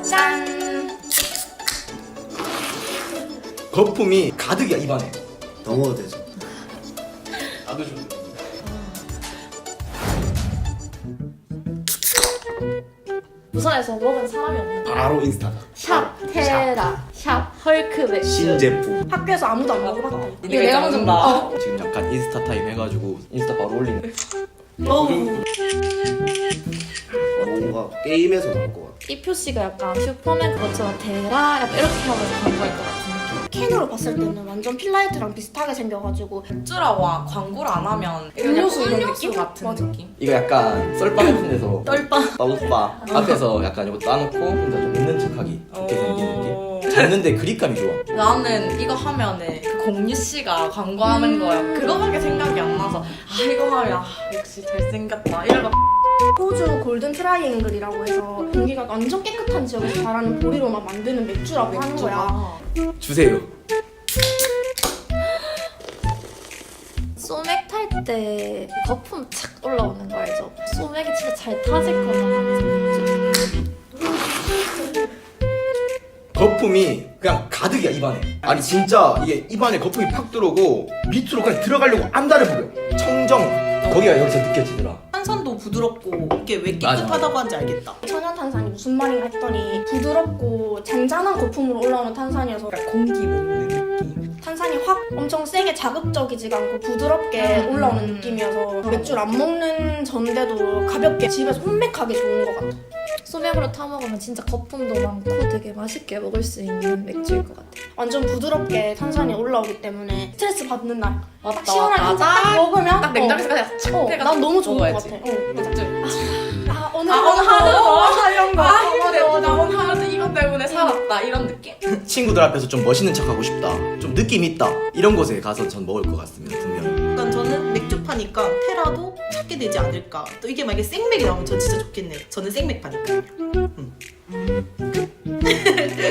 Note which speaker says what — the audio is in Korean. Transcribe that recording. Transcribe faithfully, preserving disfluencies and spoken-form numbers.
Speaker 1: 짠!
Speaker 2: 거품이 가득이야 입안에.
Speaker 3: 더 먹어도 되죠.
Speaker 2: 나도 좀.
Speaker 1: 부산에서 먹은 사람이 없는
Speaker 3: 바로 인스타다.
Speaker 1: 샵 테라 샵 헐크 맥주
Speaker 3: 신제품.
Speaker 4: 학교에서 아무도 안 먹어봤다.
Speaker 1: 이거 내가 먼저 먹어.
Speaker 2: 지금 약간 인스타 타임 해가지고 인스타 바로 올리는.
Speaker 4: 어.
Speaker 3: 뭔가 게임에서 나올 것 같아.
Speaker 1: 이 표시가 약간 슈퍼맨 그것처럼 테라 약간 이렇게 하면서 광고할 것 같은 느낌.
Speaker 4: 캔으로 봤을 때는 완전 필라이트랑 비슷하게 생겨가지고
Speaker 5: 맥주라고 광고를 안 하면
Speaker 4: 음료수
Speaker 5: 그냥
Speaker 4: 이런
Speaker 5: 음료수
Speaker 4: 느낌?
Speaker 5: 같은
Speaker 4: 맞아.
Speaker 5: 느낌?
Speaker 2: 이거 약간 썰바 같은 데서
Speaker 5: 떨빵
Speaker 2: 빠우스바 앞에서 약간 이거 따놓고 혼자 좀 있는 척하기 이렇게 생긴 느낌. 잡는데 그립감이 좋아.
Speaker 5: 나는 이거 하면은 그 공유 씨가 광고하는 거야. 그거밖에 생각이 안 나서 아 이거 하면 아, 역시 잘생겼다 이러고
Speaker 4: 호주 골든 트라이앵글이라고 해서 공기가 완전 깨끗한 지역에서 자라는 보리로만 만드는 맥주라고 하는 거야.
Speaker 2: 주세요.
Speaker 1: 소맥 탈 때 거품 착 올라오는 거 알죠? 소맥이 진짜 잘 타질 거다 하면서 맥주.
Speaker 2: 거품이 그냥 가득이야 입안에. 아니 진짜 이게 입안에 거품이 팍 들어오고 밑으로 그냥 들어가려고 안달을 부려. 청정 거기가 여기서 느껴지더라.
Speaker 5: 탄산도 부드럽고 이게 왜
Speaker 2: 맞아.
Speaker 5: 깨끗하다고 하는지 알겠다.
Speaker 4: 천연탄산이 무슨 말인가 했더니 부드럽고 잔잔한 거품으로 올라오는 탄산이어서
Speaker 5: 약간 공기 먹는 느낌.
Speaker 4: 탄산이 확 엄청 세게 자극적이지가 않고 부드럽게 올라오는 느낌이어서 맥주를 안 먹는 전데도 가볍게 집에서 혼맥하기 좋은 것 같아.
Speaker 1: 소맥으로 타 먹으면 진짜 거품도 많고 되게 맛있게 먹을 수 있는 맥주일 것 같아.
Speaker 4: 완전 부드럽게 탄산이 올라오기 때문에 스트레스 받는 날
Speaker 5: 맞다,
Speaker 4: 딱 시원한
Speaker 5: 맞다.
Speaker 4: 탄산 딱 먹으면
Speaker 5: 딱 냉장고에서 그냥 착
Speaker 4: 어,
Speaker 5: 해가지고
Speaker 4: 난 너무 좋은
Speaker 5: 먹어야지.
Speaker 4: 것 같아. 어.
Speaker 5: 맥주.
Speaker 4: 아 오늘
Speaker 5: 아 오늘 하루 더
Speaker 4: 이런 거.
Speaker 5: 아 힘들다. 나 오늘 하루 이것 때문에 살았다 이런 느낌?
Speaker 2: 친구들 앞에서 좀 멋있는 척하고 싶다. 좀 느낌 있다. 이런 곳에 가서 전 먹을 것 같습니다 분명히.
Speaker 6: 일단 저는 맥주 파니까 테라도 찾게 되지 않을까. 또 이게 만약에 생맥이 나오면 전 진짜 좋겠네. 저는 생맥 파니까요. 음.